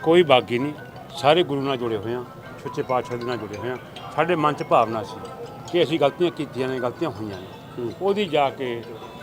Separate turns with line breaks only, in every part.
ਕੋਈ ਬਾਗੀ ਨਹੀਂ, ਸਾਰੇ ਗੁਰੂ ਨਾਲ ਜੁੜੇ ਹੋਏ ਹਾਂ, ਸੱਚੇ ਪਾਤਸ਼ਾਹ ਦੇ ਨਾਲ ਜੁੜੇ ਹੋਏ ਹਾਂ। ਸਾਡੇ ਮਨ 'ਚ ਭਾਵਨਾ ਸੀ ਕਿ ਅਸੀਂ ਗਲਤੀਆਂ ਕੀਤੀਆਂ ਨੇ, ਗਲਤੀਆਂ ਹੋਈਆਂ ਨੇ, ਉਹਦੀ ਜਾ ਕੇ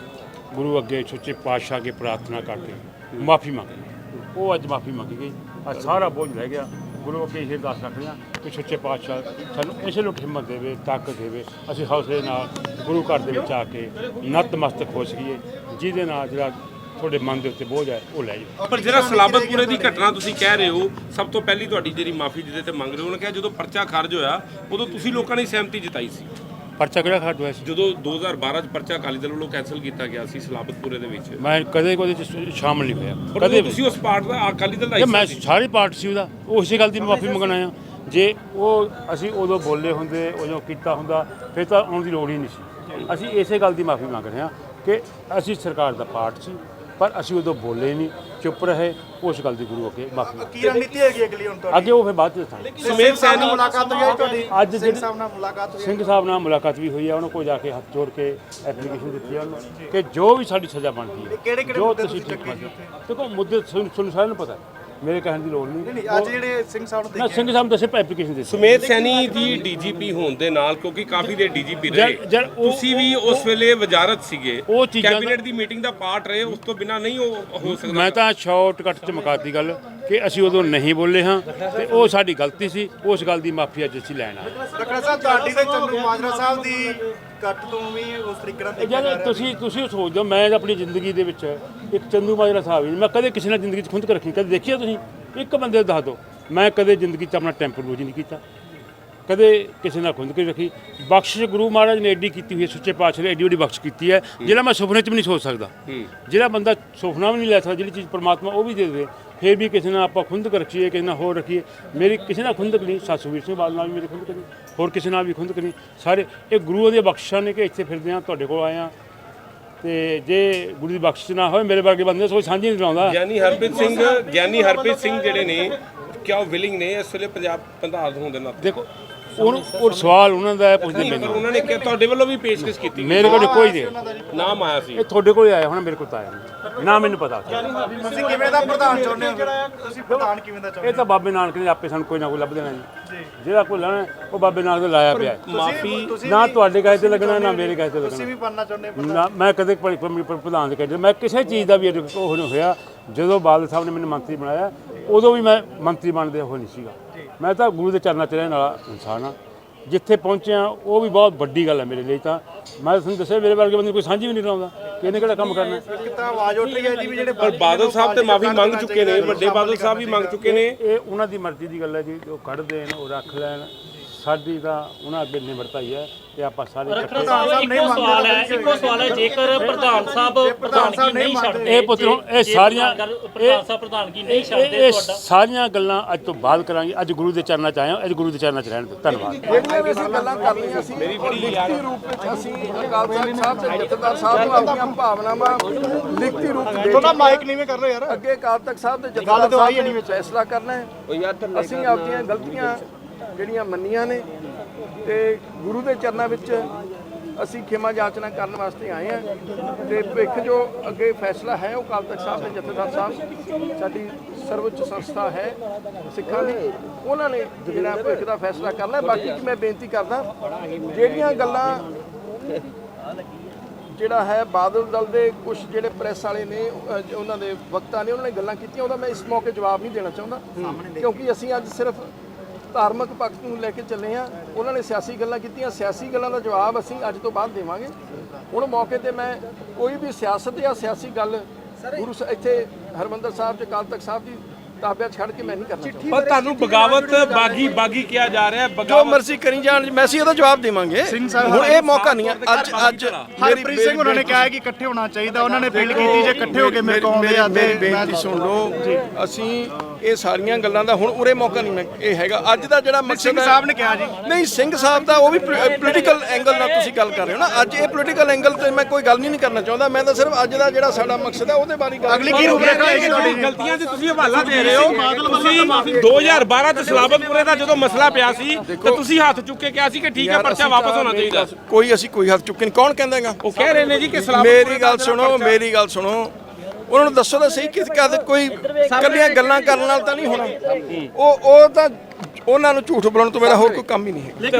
ਗੁਰੂ ਅੱਗੇ ਸੱਚੇ ਪਾਤਸ਼ਾਹ ਅੱਗੇ ਪ੍ਰਾਰਥਨਾ ਕਰਕੇ ਮਾਫੀ ਮੰਗੀ। ਉਹ ਅੱਜ ਮਾਫੀ ਮੰਗੀ ਗਈ, ਅੱਜ ਸਾਰਾ ਬੋਝ ਰਹਿ ਗਿਆ। ਗੁਰੂ ਅੱਗੇ ਇਹ ਅਰਦਾਸ ਰੱਖਦੇ ਹਾਂ ਕਿ ਸੱਚੇ ਪਾਤਸ਼ਾਹ ਸਾਨੂੰ ਇਸੇ ਨੂੰ ਹਿੰਮਤ ਦੇਵੇ, ਤਾਕਤ ਦੇਵੇ, ਅਸੀਂ ਹੌਸਲੇ ਨਾਲ ਗੁਰੂ ਘਰ ਦੇ ਵਿੱਚ ਆ ਕੇ ਨਤਮਸਤਕ ਹੋ ਸਕੀਏ, ਜਿਹਦੇ ਨਾਲ ਜਿਹੜਾ ਤੁਹਾਡੇ ਮਨ ਦੇ ਉੱਤੇ ਬੋਝ ਹੈ ਉਹ ਲੈ ਜਾਵੇ।
ਪਰ ਜਿਹੜਾ ਸਲਾਬਤਪੁਰੇ ਦੀ ਘਟਨਾ ਤੁਸੀਂ ਕਹਿ ਰਹੇ ਹੋ, ਸਭ ਤੋਂ ਪਹਿਲੀ ਤੁਹਾਡੀ ਜਿਹੜੀ ਮਾਫੀ ਜਿਹਦੇ ਤੇ ਮੰਗ ਰਹੇ ਹੋ, ਉਹਨੇ ਕਿਹਾ ਜਦੋਂ ਪਰਚਾ ਖਾਰਜ ਹੋਇਆ ਉਦੋਂ ਤੁਸੀਂ ਲੋਕਾਂ ਨੇ ਸਹਿਮਤੀ ਜਤਾਈ ਸੀ।
ਪਰਚਾ ਕਿਹੜਾ ਖਾਰਜ ਹੋਇਆ ਸੀ?
ਜਦੋਂ 2012 ਚ ਪਰਚਾ ਅਕਾਲੀ ਦਲ ਵੱਲੋਂ ਕੈਂਸਲ ਕੀਤਾ ਗਿਆ ਸੀ ਸਲਾਬਤਪੁਰੇ ਦੇ ਵਿੱਚ,
ਮੈਂ ਕਦੇ ਉਹਦੇ 'ਚ ਸ਼ਾਮਲ ਨਹੀਂ ਹੋਇਆ,
ਕਦੇ ਤੁਸੀਂ ਉਸ ਪਾਰਟ ਦਾ ਅਕਾਲੀ ਦਲ ਦਾ
ਮੈਂ ਸਾਰੀ ਪਾਰਟੀ ਸੀ ਉਹਦਾ, ਉਸੇ ਗੱਲ ਦੀ ਮਾਫੀ ਮੰਗਣ ਆਇਆ। ਜੇ ਉਹ ਅਸੀਂ ਉਦੋਂ ਬੋਲੇ ਹੁੰਦੇ, ਉਦੋਂ ਕੀਤਾ ਹੁੰਦਾ, ਫਿਰ ਤਾਂ ਆਉਣ ਦੀ ਲੋੜ ਹੀ ਨਹੀਂ ਸੀ। ਅਸੀਂ ਇਸੇ ਗੱਲ ਦੀ ਮਾਫੀ ਮੰਗ ਰਹੇ ਹਾਂ ਕਿ ਅਸੀਂ ਸਰਕਾਰ ਦਾ ਪਾਰਟ ਸੀ, ਪਰ ਅਸੀਂ ਉਦੋਂ ਬੋਲੇ ਨਹੀਂ, ਚੁੱਪ ਰਹੇ। ਉਸ ਗੱਲ ਦੀ ਗੁਰੂ ਅੱਗੇ ਮਾਫੀ
ਕੀ ਰਣਨੀਤੀ ਹੈਗੀ ਅਗਲੀ ਹੁਣ ਤੁਹਾਡੀ?
ਅੱਗੇ ਉਹ ਫਿਰ ਬਾਅਦ 'ਚ ਦੱਸਾਂਗੇ।
ਸਮੇਤ ਸੈਣੀ
ਮੁਲਾਕਾਤ ਹੋਈ ਹੈ ਤੁਹਾਡੀ?
ਅੱਜ
ਸਿੰਘ ਸਾਹਿਬ ਨਾਲ ਮੁਲਾਕਾਤ ਹੋਈ ਹੈ?
ਸਿੰਘ ਸਾਹਿਬ ਨਾਲ ਮੁਲਾਕਾਤ ਵੀ ਹੋਈ ਹੈ, ਉਹਨਾਂ ਕੋਲ ਜਾ ਕੇ ਹੱਥ ਜੋੜ ਕੇ ਐਪਲੀਕੇਸ਼ਨ ਦਿੱਤੀ ਹੈ ਉਹਨੂੰ ਕਿ ਜੋ ਵੀ ਸਾਡੀ ਸਜ਼ਾ ਬਣਦੀ ਹੈ,
ਕਿਹੜੇ-ਕਿਹੜੇ
ਜੋ
ਮੁੱਦੇ
ਤੁਸੀਂ
ਤੁਸੀਂ
ਠੀਕ
ਚੱਕੇ
ਮੰਨਦੇ ਦੇਖੋ ਮੁੱਦੇ ਤੁਹਾਨੂੰ ਸਾਰਿਆਂ ਨੂੰ ਪਤਾ ਹੈ, ਮੇਰੇ ਕਹਿਣ ਦੀ ਲੋੜ ਨਹੀਂ।
ਨਹੀਂ ਅੱਜ ਜਿਹੜੇ ਸਿੰਘ ਸਾਹਿਬ ਨੂੰ
ਨਾ ਸਿੰਘ ਸਾਹਿਬ ਦੱਸੇ ਐਪਲੀਕੇਸ਼ਨ ਦਿੱਤੀ।
ਸਮੇਤ ਸੈਣੀ ਦੀ ਡੀਜੀਪੀ ਹੋਣ ਦੇ ਨਾਲ, ਕਿਉਂਕਿ ਕਾਫੀ ਦੇ ਡੀਜੀਪੀ ਰਹੇ, ਤੁਸੀਂ ਵੀ ਉਸ ਵੇਲੇ ਵਜ਼ਾਰਤ ਸੀਗੇ,
ਉਹ ਚੀਜ਼ਾਂ
ਕੈਬਨਿਟ ਦੀ ਮੀਟਿੰਗ ਦਾ ਪਾਰਟ ਰਹੇ, ਉਸ ਤੋਂ ਬਿਨਾਂ ਨਹੀਂ ਉਹ ਹੋ ਸਕਦਾ।
ਮੈਂ ਤਾਂ ਸ਼ਾਰਟਕਟ 'ਚ ਮੁਕਾਤੀ ਗੱਲ ਕਿ ਅਸੀਂ ਉਦੋਂ ਨਹੀਂ ਬੋਲੇ ਹਾਂ ਤੇ ਉਹ ਸਾਡੀ ਗਲਤੀ ਸੀ, ਉਸ ਗੱਲ ਦੀ ਮਾਫੀ ਅੱਜ ਅਸੀਂ ਲੈਣ ਆਏ।
ਡਾਕਟਰ ਸਾਹਿਬ ਤੁਹਾਡੀ ਤੇ ਚੰਦੂ ਮਾਜਰਾ ਸਾਹਿਬ ਦੀ ਕੱਟ ਤੋਂ ਵੀ ਉਸ ਤਰੀਕੇ ਨਾਲ ਦੇਖਿਆ ਜਾ
ਜਦ ਤੁਸੀਂ ਸੋਚਦੇ ਹੋ, ਮੈਂ ਆਪਣੀ ਜ਼ਿੰਦਗੀ ਦੇ ਵਿੱਚ ਇੱਕ ਚੰਦੂ ਮਾਜਰਾ ਸਾਹਿਬ ਹੀ, ਮੈਂ ਕਦੇ ਕਿਸੇ ਨਾਲ ਜ਼ਿੰਦਗੀ 'ਚ ਖੁੰਦ ਕੇ ਰੱਖੀ, ਕਦੇ ਦੇਖਿਆ ਤੁਸੀਂ? ਇੱਕ ਬੰਦੇ ਦੱਸ ਦਿਓ, ਮੈਂ ਕਦੇ ਜ਼ਿੰਦਗੀ 'ਚ ਆਪਣਾ ਟੈਂਪਰੋਲੋਜੀ ਨਹੀਂ ਕੀਤਾ, ਕਦੇ ਕਿਸੇ ਨਾਲ ਖੁੰਦ ਕੇ ਰੱਖੀ। ਬਖਸ਼ਿਸ਼ ਗੁਰੂ ਮਹਾਰਾਜ ਨੇ ਐਡੀ ਕੀਤੀ ਹੋਈ ਹੈ, ਸੱਚੇ ਪਾਤਸ਼ਾਹ ਨੇ ਐਡੀ ਵੱਡੀ ਬਖਸ਼ ਕੀਤੀ ਹੈ, ਜਿਹੜਾ ਮੈਂ ਸੁਪਨੇ 'ਚ ਵੀ ਨਹੀਂ ਸੋਚ ਸਕਦਾ। ਜਿਹੜਾ ਬੰਦਾ ਸੁਪਨਾ ਵੀ ਨਹੀਂ ਲੈ ਸਕਦਾ, ਜਿਹੜੀ ਚੀਜ਼ ਪਰਮਾਤਮਾ ਉਹ ਵੀ ਦੇ ਦੇਵੇ, ਫਿਰ ਵੀ ਕਿਸੇ ਨਾਲ ਆਪਾਂ ਖੁੰਦਕ ਰੱਖੀਏ, ਕਿਸੇ ਨਾਲ ਹੋਰ ਰੱਖੀਏ। ਮੇਰੀ ਕਿਸੇ ਨਾਲ ਖੁੰਦਕ ਨਹੀਂ, ਸੁਖਬੀਰ ਸਿੰਘ ਬਾਦਲ ਨਾਲ ਵੀ ਮੇਰੀ ਖੁੰਦਕ ਨਹੀਂ, ਹੋਰ ਕਿਸੇ ਨਾਲ ਵੀ ਖੁੰਦਕ ਨਹੀਂ। ਸਾਰੇ ਇਹ ਗੁਰੂ ਦੀਆਂ ਬਖਸ਼ਿਸ਼ਾਂ ਨੇ ਕਿ ਇੱਥੇ ਫਿਰਦੇ ਹਾਂ, ਤੁਹਾਡੇ ਕੋਲ ਆਏ ਹਾਂ। ਤੇ ਜੇ ਗੁਰੂ ਦੀ ਬਖਸ਼ਿਸ਼ ਨਾ ਹੋਵੇ, ਮੇਰੇ ਵਰਗੇ ਬੰਦੇ ਕੋਈ ਸਾਂਝੀ ਨਹੀਂ ਲਾਉਂਦਾ।
ਗਿਆਨੀ ਹਰਪ੍ਰੀਤ ਸਿੰਘ ਜਿਹੜੇ ਨੇ, ਕਿਆ ਉਹ ਵਿਲਿੰਗ ਨੇ ਇਸ ਵੇਲੇ ਪੰਜਾਬ ਪ੍ਰਧਾਨ ਹੋਣ ਦੇ ਨਾਤੇ?
ਦੇਖੋ ਉਹ ਸਵਾਲ ਉਹਨਾਂ ਦਾ ਪੁੱਛਦੇ
ਪਰ
ਮੈਨੂੰ,
ਉਹਨਾਂ ਨੇ ਕਿਹਾ ਤੁਹਾਡੇ ਵੱਲੋਂ ਵੀ ਪੇਸ਼ਕਸ਼ ਕੀਤੀ,
ਮੇਰੇ ਕੋਲ ਕੋਈ ਨਹੀਂ,
ਨਾਮ ਆਇਆ ਸੀ।
ਇਹ ਤੁਹਾਡੇ ਕੋਲ ਆਇਆ ਹੋਣਾ, ਮੇਰੇ ਕੋਲ ਤਾਂ ਆਇਆ ਨਹੀਂ ਨਾ, ਮੈਨੂੰ ਪਤਾ।
ਤੁਸੀਂ ਕਿਵੇਂ ਦਾ ਪ੍ਰਧਾਨ ਚਾਹੁੰਦੇ ਹੋ? ਤੁਸੀਂ ਪ੍ਰਧਾਨ ਕਿਵੇਂ ਦਾ ਚਾਹੁੰਦੇ
ਇਹ ਤਾਂ ਬਾਬੇ ਨਾਨਕ ਨੇ ਆਪੇ ਸਾਨੂੰ ਕੋਈ ਨਾ ਕੋਈ ਲੱਭ ਦੇਣਾ ਜੀ, ਜਿਹੜਾ ਕੋਈ ਲੈਣਾ ਉਹ ਬਾਬੇ ਨਾਨਕ ਦਾ ਲਾਇਆ ਪਿਆ।
ਮਾਫੀ
ਨਾ ਤੁਹਾਡੇ ਕਹੇ ਤੇ ਲੱਗਣਾ, ਨਾ ਮੇਰੇ ਕਹੇ ਤੇ
ਤੁਸੀਂ
ਲੱਗਣਾ।
ਵੀ ਬਣਨਾ ਚਾਹੁੰਦੇ ਹੋ?
ਨਾ ਮੈਂ ਕਦੇ ਪ੍ਰਧਾਨ ਦੇ ਕਹਿੰਦੇ, ਮੈਂ ਕਿਸੇ ਚੀਜ਼ ਦਾ ਵੀ ਉਹ ਨਹੀਂ ਹੋਇਆ। ਜਦੋਂ ਬਾਦਲ ਸਾਹਿਬ ਨੇ ਮੈਨੂੰ ਮੰਤਰੀ ਬਣਾਇਆ, ਉਦੋਂ ਵੀ ਮੈਂ ਮੰਤਰੀ ਬਣਦੇ ਉਹ ਨਹੀਂ ਸੀਗਾ। ਮੈਂ ਤਾਂ ਗੁਰੂ ਦੇ ਚਰਨਾਂ 'ਚ ਰਹਿਣ ਵਾਲਾ ਇਨਸਾਨ ਹਾਂ। ਜਿੱਥੇ ਪਹੁੰਚਿਆ ਉਹ ਵੀ ਬਹੁਤ ਵੱਡੀ ਗੱਲ ਹੈ ਮੇਰੇ ਲਈ। ਤਾਂ ਮੈਂ ਤੁਹਾਨੂੰ ਦੱਸਿਆ, ਮੇਰੇ ਵਰਗੇ ਬੰਦੇ ਕੋਈ ਸਾਂਝੀ ਵੀ ਨਹੀਂ ਲਾਉਂਦਾ ਕਿ ਇਹਨੇ ਕਿਹੜਾ ਕੰਮ ਕਰਨਾ।
ਇੱਕ ਤਾਂ ਆਵਾਜ਼ ਉੱਠ ਰਹੀ ਹੈ ਜੀ ਵੀ ਜਿਹੜੇ
ਪਰ ਬਾਦਲ ਸਾਹਿਬ ਤੇ ਮਾਫੀ ਮੰਗ ਚੁੱਕੇ ਨੇ, ਵੱਡੇ ਬਾਦਲ ਸਾਹਿਬ ਵੀ ਮੰਗ ਚੁੱਕੇ ਨੇ।
ਇਹ ਉਹਨਾਂ ਦੀ ਮਰਜ਼ੀ ਦੀ ਗੱਲ ਹੈ ਜੀ, ਉਹ ਕੱਢ ਦੇਣ, ਉਹ ਰੱਖ ਲੈਣ। ਸਾਡੀ ਤਾਂ ਉਹਨਾਂ ਅੱਗੇ ਨਿਮਰਤਾ ਹੀ ਹੈ ਕਿ ਆਪਾਂ ਸਾਰੇ
ਇੱਕੋ ਸਵਾਲ ਹੈ ਜੇਕਰ ਪ੍ਰਧਾਨ ਸਾਹਿਬ ਪ੍ਰਧਾਨਗੀ ਨਹੀਂ ਛੱਡਦੇ,
ਇਹ ਪੁੱਤਰੋਂ ਇਹ ਸਾਰੀਆਂ
ਪ੍ਰਧਾਨ ਸਾਹਿਬ ਪ੍ਰਧਾਨਗੀ ਨਹੀਂ ਛੱਡਦੇ,
ਇਹ
ਤੁਹਾਡਾ
ਸਾਰੀਆਂ ਗੱਲਾਂ ਅੱਜ ਤੋਂ ਬਾਅਦ ਕਰਾਂਗੇ। ਅੱਜ ਗੁਰੂ ਦੇ ਚਰਨਾਂ 'ਚ ਆਏ ਹਾਂ, ਅੱਜ ਗੁਰੂ ਦੇ ਚਰਨਾਂ 'ਚ ਰਹਿਣ ਦਿਓ। ਧੰਨਵਾਦ।
ਜਿਹੜੀਆਂ ਵੀ ਅਸੀਂ ਗੱਲਾਂ ਕਰ ਲਈਆਂ ਸੀ, ਲਿਖਤੀ ਰੂਪ ਵਿੱਚ ਅਸੀਂ ਅਕਾਲ ਤਖਤ ਸਾਹਿਬ ਤੇ ਜਥੇਦਾਰ ਸਾਹਿਬ ਨੂੰ ਆਪਣੀਆਂ ਭਾਵਨਾਵਾਂ ਲਿਖਤੀ ਰੂਪ ਦੇ
ਤੁਹਾਡਾ ਮਾਈਕ ਨੀਵੇਂ ਕਰ ਰਹੇ ਯਾਰ।
ਅੱਗੇ ਅਕਾਲ ਤਖਤ ਸਾਹਿਬ ਤੇ ਜਥੇਦਾਰ ਸਾਹਿਬ ਨੇ ਫੈਸਲਾ ਕਰਨਾ ਹੈ। ਅਸੀਂ ਆਪਣੀਆਂ ਗਲਤੀਆਂ ਜਿਹੜੀਆਂ ਮੰਨੀਆਂ ਨੇ ਤੇ ਗੁਰੂ ਦੇ ਚਰਨਾਂ ਵਿੱਚ ਅਸੀਂ ਖਿਮਾ ਜਾਚਨਾ ਕਰਨ ਵਾਸਤੇ ਆਏ ਹਾਂ। ਤੇ ਭਿੱਖ ਜੋ ਅੱਗੇ ਫੈਸਲਾ ਹੈ ਉਹ ਅਕਾਲ ਤਖਤ ਸਾਹਿਬ ਤੇ ਜਥੇਦਾਰ ਸਾਹਿਬ, ਸਾਡੀ ਸਰਵਉੱਚ ਸੰਸਥਾ ਹੈ ਸਿੱਖਾਂ ਦੀ, ਉਹਨਾਂ ਨੇ ਜਿਹੜਾ ਭਿੱਖ ਦਾ ਫੈਸਲਾ ਕਰਨਾ। ਬਾਕੀ ਮੈਂ ਬੇਨਤੀ ਕਰਦਾ, ਜਿਹੜੀਆਂ ਗੱਲਾਂ ਜਿਹੜਾ ਹੈ ਬਾਦਲ ਦਲ ਦੇ ਕੁਝ ਜਿਹੜੇ ਪ੍ਰੈਸ ਵਾਲੇ ਨੇ, ਉਹਨਾਂ ਦੇ ਵਕਤਾਂ ਨੇ, ਉਹਨਾਂ ਨੇ ਗੱਲਾਂ ਕੀਤੀਆਂ, ਉਹਦਾ ਮੈਂ ਇਸ ਮੌਕੇ ਜਵਾਬ ਨਹੀਂ ਦੇਣਾ ਚਾਹੁੰਦਾ, ਕਿਉਂਕਿ ਅਸੀਂ ਅੱਜ ਸਿਰਫ ਧਾਰਮਿਕ ਪੱਖ ਨੂੰ ਲੈ ਕੇ ਚੱਲੇ ਹਾਂ। ਉਹਨਾਂ ਨੇ ਸਿਆਸੀ ਗੱਲਾਂ ਕੀਤੀਆਂ, ਸਿਆਸੀ ਗੱਲਾਂ ਦਾ ਜਵਾਬ ਅਸੀਂ ਅੱਜ ਤੋਂ ਬਾਅਦ ਦੇਵਾਂਗੇ। ਹੁਣ ਮੌਕੇ ਤੇ ਮੈਂ ਕੋਈ ਵੀ ਸਿਆਸਤ ਜਾਂ ਸਿਆਸੀ ਗੱਲ ਗੁਰੂ ਇੱਥੇ ਹਰਿਮੰਦਰ ਸਾਹਿਬ ਤੇ ਅਕਾਲ ਤਖਤ ਸਾਹਿਬ ਦੀ ਤਾਬਿਆ ਛੱਡ ਕੇ ਮੈਂ ਨਹੀਂ ਕਰਨਾ ਚਾਹੁੰਦਾ।
ਪਰ ਤੁਹਾਨੂੰ ਬਗਾਵਤ ਬਾਗੀ ਕਿਹਾ ਜਾ ਰਿਹਾ ਹੈ।
ਜੋ ਮਰਜ਼ੀ ਕਰੀ ਜਾਣ, ਮੈਂ ਅਸੀਂ ਇਹਦਾ ਜਵਾਬ ਦੇਵਾਂਗੇ। ਹੁਣ ਇਹ ਮੌਕਾ ਨਹੀਂ ਹੈ। ਅੱਜ
ਹਰਪ੍ਰੀਤ ਸਿੰਘ ਉਹਨਾਂ ਨੇ ਕਿਹਾ ਕਿ ਇਕੱਠੇ ਹੋਣਾ ਚਾਹੀਦਾ, ਉਹਨਾਂ ਨੇ ਅਪੀਲ ਕੀਤੀ ਜੇ ਇਕੱਠੇ ਹੋ ਕੇ ਮੇਰੇ ਕੋਲ ਆਉਂਦੇ ਆ।
ਮੇਰੀ ਬੇਨਤੀ ਸੁਣ ਲਓ, ਅਸੀਂ ਇਹ ਸਾਰੀਆਂ ਗੱਲਾਂ ਦਾ ਹੁਣ ਉਰੇ ਮੌਕਾ ਨਹੀਂ ਇਹ ਹੈਗਾ। ਅੱਜ ਦਾ ਜਿਹੜਾ ਮਕਸਦ
ਸਿੰਘ ਸਾਹਿਬ ਨੇ ਕਿਹਾ ਜੀ,
ਨਹੀਂ ਸਿੰਘ ਸਾਹਿਬ ਦਾ ਉਹ ਵੀ ਪੋਲੀਟੀਕਲ ਐਂਗਲ ਨਾਲ ਤੁਸੀਂ ਗੱਲ ਕਰ ਰਹੇ ਹੋ ਨਾ। ਅੱਜ ਇਹ ਪੋਲੀਟੀਕਲ ਐਂਗਲ ਤੇ ਮੈਂ ਕੋਈ ਗੱਲ ਨਹੀਂ ਕਰਨਾ ਚਾਹੁੰਦਾ। ਮੈਂ ਤਾਂ ਸਿਰਫ ਅੱਜ ਦਾ ਜਿਹੜਾ ਸਾਡਾ ਮਕਸਦ ਹੈ ਉਹਦੇ ਬਾਰੇ ਗੱਲ।
ਅਗਲੀ ਕੀ ਰੂਪਰੇਖਾ ਹੋਏਗੀ ਤੁਹਾਡੀ?
ਗਲਤੀਆਂ ਦੇ ਤੁਸੀਂ ਹਵਾਲਾ ਦੇ ਰਹੇ ਹੋ। ਤੁਸੀਂ 2012 ਚ ਸਲਾਬਤਪੁਰੇ ਦਾ ਜਦੋਂ ਮਸਲਾ ਪਿਆ ਸੀ ਤਾਂ ਤੁਸੀਂ ਹੱਥ ਚੁੱਕ ਕੇ ਕਿਹਾ ਸੀ ਕਿ ਠੀਕ ਹੈ ਪਰਚਾ ਵਾਪਸ ਹੋਣਾ ਚਾਹੀਦਾ।
ਅਸੀਂ ਕੋਈ ਹੱਥ ਚੁੱਕੇ ਨਹੀਂ। ਕੌਣ ਕਹਿੰਦਾਗਾ?
ਉਹ ਕਹਿ ਰਹੇ ਨੇ ਜੀ ਕਿ
ਮੇਰੀ ਗੱਲ ਸੁਣੋ, ਉਹਨਾਂ ਨੂੰ ਦੱਸੋ ਤਾਂ ਸਹੀ ਕਿ ਕੋਈ ਇਕੱਲੀਆਂ ਗੱਲਾਂ ਕਰਨ ਨਾਲ ਤਾਂ ਨਹੀਂ ਹੋਣਾ। ਉਹ ਤਾਂ ਉਹਨਾਂ ਨੂੰ ਝੂਠ ਬੋਲਣ ਤੋਂ ਮੇਰਾ ਹੋਰ ਕੋਈ ਕੰਮ ਹੀ ਨਹੀਂ ਹੈ।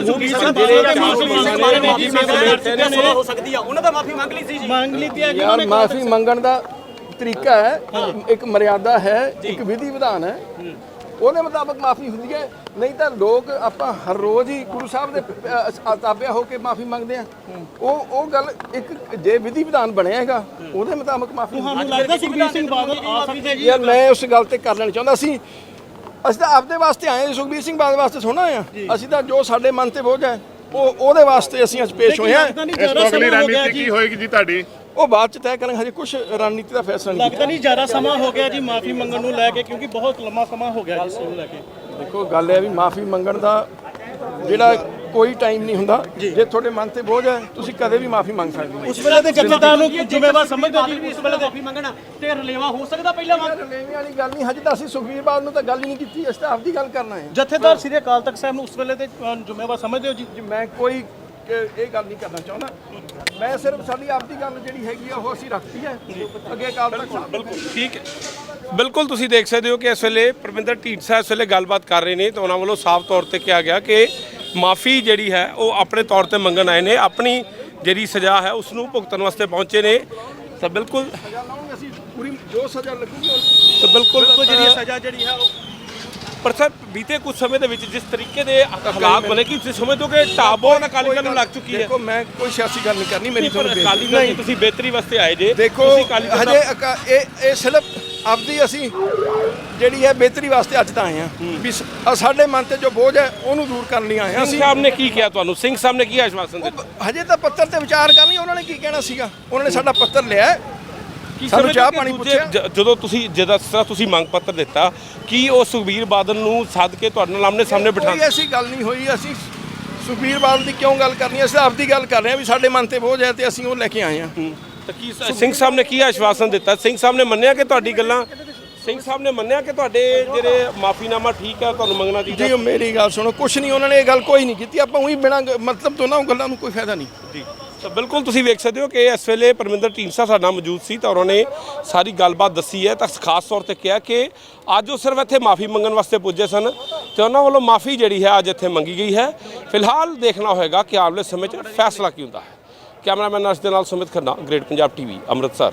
ਹੋ ਸਕਦੀ ਆ, ਉਹਨਾਂ ਦਾ ਮਾਫੀ ਮੰਗ ਲਈ ਸੀ ਜੀ।
ਯਾਰ ਮਾਫੀ ਮੰਗਣ ਦਾ ਤਰੀਕਾ ਹੈ, ਇੱਕ ਮਰਿਆਦਾ ਹੈ, ਇੱਕ ਵਿਧੀ ਵਿਧਾਨ ਹੈ, ਉਹਦੇ ਮੁਤਾਬਕ ਮਾਫੀ ਹੁੰਦੀ ਹੈ। ਨਹੀਂ ਤਾਂ ਲੋਕ ਆਪਾਂ ਹਰ ਰੋਜ਼ ਹੀ ਗੁਰੂ ਸਾਹਿਬ ਦੇ ਤਾਬਿਆ ਹੋ ਕੇ ਮਾਫੀ ਮੰਗਦੇ ਆ। ਉਹ ਗੱਲ ਇੱਕ ਜੇ ਵਿਧੀ ਵਿਧਾਨ ਬਣਿਆ ਹੈਗਾ ਉਹਦੇ ਮੁਤਾਬਕ ਮਾਫੀ।
ਤੁਹਾਨੂੰ ਲੱਗਦਾ ਸੁਖਬੀਰ ਸਿੰਘ ਬਾਦਲ ਆ ਸਕਦੇ ਜੀ?
ਯਾਰ ਮੈਂ ਉਸ ਗੱਲ ਤੇ ਕਰ ਲੈਣਾ ਚਾਹੁੰਦਾ ਸੀ। ਅਸੀਂ ਤਾਂ ਆਪਦੇ ਵਾਸਤੇ ਆਏ ਹਾਂ, ਸੁਖਬੀਰ ਸਿੰਘ ਬਾਦਲ ਵਾਸਤੇ ਥੋੜ੍ਹਾ ਆਏ ਹਾਂ। ਅਸੀਂ ਤਾਂ ਜੋ ਸਾਡੇ ਮਨ ਤੇ ਬੋਝ ਹੈ ਉਹਦੇ ਵਾਸਤੇ ਅਸੀਂ ਅੱਜ ਪੇਸ਼ ਹੋਏ ਹਾਂ।
ਇਸ ਤੋਂ ਅਗਲੀ ਰਣਨੀਤੀ ਕੀ ਹੋਏਗੀ ਜੀ ਤੁਹਾਡੀ?
ਉਹ ਬਾਅਦ ਚ ਤੈਅ ਕਰਾਂਗੇ, ਹਜੇ ਕੁਝ ਰਣਨੀਤੀ ਦਾ ਫੈਸਲਾ ਨਹੀਂ
ਲੱਗਦਾ ਨਹੀਂ ਜ਼ਿਆਦਾ ਸਮਾਂ ਹੋ ਗਿਆ ਜੀ ਮਾਫੀ ਮੰਗਣ ਨੂੰ ਲੈ ਕੇ, ਕਿਉਂਕਿ ਬਹੁਤ ਲੰਮਾ ਸਮਾਂ ਹੋ ਗਿਆ ਜੀ ਇਸ ਨੂੰ ਲੈ ਕੇ।
ਦੇਖੋ ਗੱਲ ਹੈ ਵੀ ਮਾਫੀ ਮੰਗਣ ਦਾ ਜਿਹੜਾ ਕੋਈ ਟਾਈਮ ਨਹੀਂ ਹੁੰਦਾ। ਜੇ ਤੁਹਾਡੇ ਮਨ ਤੇ ਬੋਝ ਹੈ ਤੁਸੀਂ ਕਦੇ ਵੀ ਮਾਫੀ ਮੰਗ ਸਕਦੇ ਹੋ।
ਉਸ ਵੇਲੇ ਦੇ ਜਥੇਦਾਰ ਨੂੰ ਜ਼ਿੰਮੇਵਾਰ ਸਮਝਦੇ ਹੋ ਜੀ? ਉਸ ਵੇਲੇ ਮਾਫੀ ਮੰਗਣਾ ਤੇ ਰਲੇਵਾ ਹੋ ਸਕਦਾ ਪਹਿਲਾਂ
ਰਲੇਵੇਂ ਵਾਲੀ ਗੱਲ ਨਹੀਂ। ਹਜੇ ਤਾਂ ਅਸੀਂ ਸੁਖਬੀਰ ਬਾਦਲ ਨੂੰ ਤਾਂ ਗੱਲ ਹੀ ਨਹੀਂ ਕੀਤੀ, ਅਸੀਂ ਤਾਂ ਆਪਦੀ ਗੱਲ ਕਰਨਾ ਹੈ।
ਜਥੇਦਾਰ ਸ੍ਰੀ ਅਕਾਲ ਤਖਤ ਸਾਹਿਬ ਨੂੰ ਉਸ ਵੇਲੇ ਦੇ ਜ਼ਿੰਮੇਵਾਰ ਸਮਝਦੇ ਹੋ ਜੀ?
ਮੈਂ ਕੋਈ ਇਹ ਗੱਲ ਨਹੀਂ ਕਰਨਾ ਚਾਹੁੰਦਾ। ਮੈਂ ਸਿਰਫ ਸਾਡੀ ਆਪਦੀ ਗੱਲ ਜਿਹੜੀ ਹੈਗੀ ਆ ਉਹ ਅਸੀਂ ਰੱਖਤੀ ਹੈ ਅੱਗੇ ਅਕਾਲ ਤਖਤ ਸਾਹਿਬ।
ਬਿਲਕੁਲ ਠੀਕ ਹੈ। ਬਿਲਕੁਲ ਤੁਸੀਂ ਦੇਖ ਸਕਦੇ ਹੋ ਕਿ ਇਸ ਵੇਲੇ ਪਰਮਿੰਦਰ ਢੀਂਡਸਾ ਇਸ ਵੇਲੇ ਗੱਲਬਾਤ ਕਰ ਰਹੇ ਨੇ ਤਾਂ ਉਹਨਾਂ ਵੱਲੋਂ ਸਾਫ਼ ਤੌਰ ਤੇ ਕਿਹਾ ਗਿਆ ਕਿ ਮਾਫੀ ਜਿਹੜੀ ਹੈ ਉਹ ਆਪਣੇ ਤੌਰ ਤੇ ਮੰਗਣ ਆਏ ਨੇ, ਆਪਣੀ ਜਿਹੜੀ ਸਜ਼ਾ ਹੈ ਉਸ ਨੂੰ ਭੁਗਤਣ ਵਾਸਤੇ ਪਹੁੰਚੇ ਨੇ। ਤਾਂ ਬਿਲਕੁਲ
ਸਜ਼ਾ ਲਾਉਂਗੇ ਅਸੀਂ, ਪੂਰੀ ਜੋ ਸਜ਼ਾ ਲੱਗੂਗੀ
ਤਾਂ ਬਿਲਕੁਲ
ਜਿਹੜੀ ਸਜ਼ਾ ਜਿਹੜੀ ਹੈ ਉਹ
ਪਰ ਸਰ ਬੀਤੇ ਕੁਝ ਸਮੇਂ ਦੇ ਵਿੱਚ ਜਿਸ ਤਰੀਕੇ ਦੇ ਹਾਲਾਤ ਬਣੇ ਕਿ ਤੁਸੀਂ ਸਮਝਦੇ ਹੋ ਕਿ ਢਾਬੋ ਅਕਾਲੀ ਦਲ ਨੂੰ ਲੱਗ ਚੁੱਕੀ ਹੈ।
ਦੇਖੋ ਮੈਂ ਕੋਈ ਸਿਆਸੀ ਗੱਲ ਨਹੀਂ ਕਰਨੀ, ਮੇਰੀ ਤੁਹਾਨੂੰ
ਅਕਾਲੀ ਦਲ ਦੀ ਤੁਸੀਂ ਬਿਹਤਰੀ ਵਾਸਤੇ ਆਏ ਜੇ।
ਦੇਖੋ
ਤੁਸੀਂ ਅਕਾਲੀ ਦਲ ਦਾ-
ਹਜੇ ਇਹ ਸਿਰਫ ਆਪਦੀ ਅਸੀਂ ਜਿਹੜੀ ਹੈ ਬਿਹਤਰੀ ਵਾਸਤੇ ਅੱਜ ਤਾਂ ਆਏ ਹਾਂ ਵੀ ਸਾਡੇ ਮਨ ਤੇ ਜੋ ਬੋਝ ਹੈ ਉਹਨੂੰ ਦੂਰ ਕਰਨ ਲਈ ਆਏ ਹਾਂ
ਸਿੰਘ
ਅਸੀਂ।
ਸਾਹਿਬ ਨੇ ਕੀ ਕਿਹਾ ਤੁਹਾਨੂੰ? ਸਿੰਘ ਸਾਹਿਬ ਨੇ ਕੀ ਆਸ਼ਵਾਸਨ ਦਿੱਤਾ?
ਹਜੇ ਤਾਂ ਪੱਤਰ ਤੇ ਵਿਚਾਰ ਕਰਨੀ, ਉਹਨਾਂ ਨੇ ਕੀ ਕਹਿਣਾ ਸੀਗਾ। ਉਹਨਾਂ ਨੇ ਸਾਡਾ ਪੱਤਰ ਲਿਆ,
ਕੀ
ਸਾਨੂੰ
ਸਮਝਦੇ
ਚਾਹ
ਕਿ
ਪਾਣੀ
ਦੂਜੇ
ਪੁੱਛਿਆ।
ਜਦੋਂ ਤੁਸੀਂ ਜਿਸ ਤਰ੍ਹਾਂ ਤੁਸੀਂ ਮੰਗ ਪੱਤਰ ਦਿੱਤਾ ਕੀ ਉਹ ਸੁਖਬੀਰ ਬਾਦਲ ਨੂੰ ਸੱਦ ਕੇ ਤੁਹਾਡੇ ਨਾਲ ਆਮਨੇ ਸਾਹਮਣੇ ਬਿਠਾ?
ਕੋਈ ਐਸੀ ਗੱਲ ਨਹੀਂ ਹੋਈ। ਅਸੀਂ ਸੁਖਬੀਰ ਬਾਦਲ ਦੀ ਕਿਉਂ ਗੱਲ ਕਰਨੀ, ਅਸੀਂ ਤਾਂ ਆਪਦੀ ਗੱਲ ਕਰ ਰਹੇ ਹਾਂ ਵੀ ਸਾਡੇ ਮਨ ਤੇ ਬੋਝ ਹੈ ਤੇ ਅਸੀਂ ਉਹ ਲੈ ਕੇ ਆਏ ਹਾਂ।
ਤਾਂ ਕੀ ਸਿੰਘ ਸਾਹਿਬ ਨੇ ਕੀ ਆਸ਼ਵਾਸਨ ਦਿੱਤਾ? ਸਿੰਘ ਸਾਹਿਬ ਨੇ ਮੰਨਿਆ ਕਿ ਤੁਹਾਡੀ ਗੱਲਾਂ, ਸਿੰਘ ਸਾਹਿਬ ਨੇ ਮੰਨਿਆ ਕਿ ਤੁਹਾਡੇ ਜਿਹੜੇ ਮਾਫੀਨਾਮਾ ਠੀਕ ਹੈ ਤੁਹਾਨੂੰ ਮੰਗਣਾ ਚਾਹੀਦਾ?
ਜੀ ਮੇਰੀ ਗੱਲ ਸੁਣੋ, ਕੁਛ ਨਹੀਂ, ਉਹਨਾਂ ਨੇ ਇਹ ਗੱਲ ਕੋਈ ਨਹੀਂ ਕੀਤੀ। ਆਪਾਂ ਉਹੀ ਬਿਨਾਂ ਮਤਲਬ ਤੋਂ ਨਾ ਉਹ ਗੱਲਾਂ ਨੂੰ ਕੋਈ ਫਾਇਦਾ ਨਹੀਂ
ਜੀ। ਤਾਂ ਬਿਲਕੁਲ ਤੁਸੀਂ ਵੇਖ ਸਕਦੇ ਹੋ ਕਿ ਇਸ ਵੇਲੇ ਪਰਮਿੰਦਰ ਢੀਂਡਸਾ ਸਾਡੇ ਨਾਲ ਮੌਜੂਦ ਸੀ ਤਾਂ ਉਹਨਾਂ ਨੇ ਸਾਰੀ ਗੱਲਬਾਤ ਦੱਸੀ ਹੈ। ਤਾਂ ਖਾਸ ਤੌਰ ਤੇ ਕਿਹਾ ਕਿ ਅੱਜ ਉਹ ਸਿਰਫ ਇੱਥੇ ਮਾਫੀ ਮੰਗਣ ਵਾਸਤੇ ਪੁੱਜੇ ਸਨ ਤੇ ਉਹਨਾਂ ਵੱਲੋਂ ਮਾਫੀ ਜਿਹੜੀ ਹੈ ਅੱਜ ਇੱਥੇ ਮੰਗੀ ਗਈ ਹੈ। ਫਿਲਹਾਲ ਦੇਖਣਾ ਹੋਏਗਾ ਕਿ ਆਉਣ ਵਾਲੇ ਸਮੇਂ 'ਚ ਫੈਸਲਾ ਕੀ ਹੁੰਦਾ ਹੈ। ਕੈਮਰਾਮੈਨ ਅਰਸ਼ ਦੇ ਨਾਲ ਸੁਮਿਤ ਖੰਨਾ, ਗ੍ਰੇਟ ਪੰਜਾਬ ਟੀਵੀ, ਅੰਮ੍ਰਿਤਸਰ।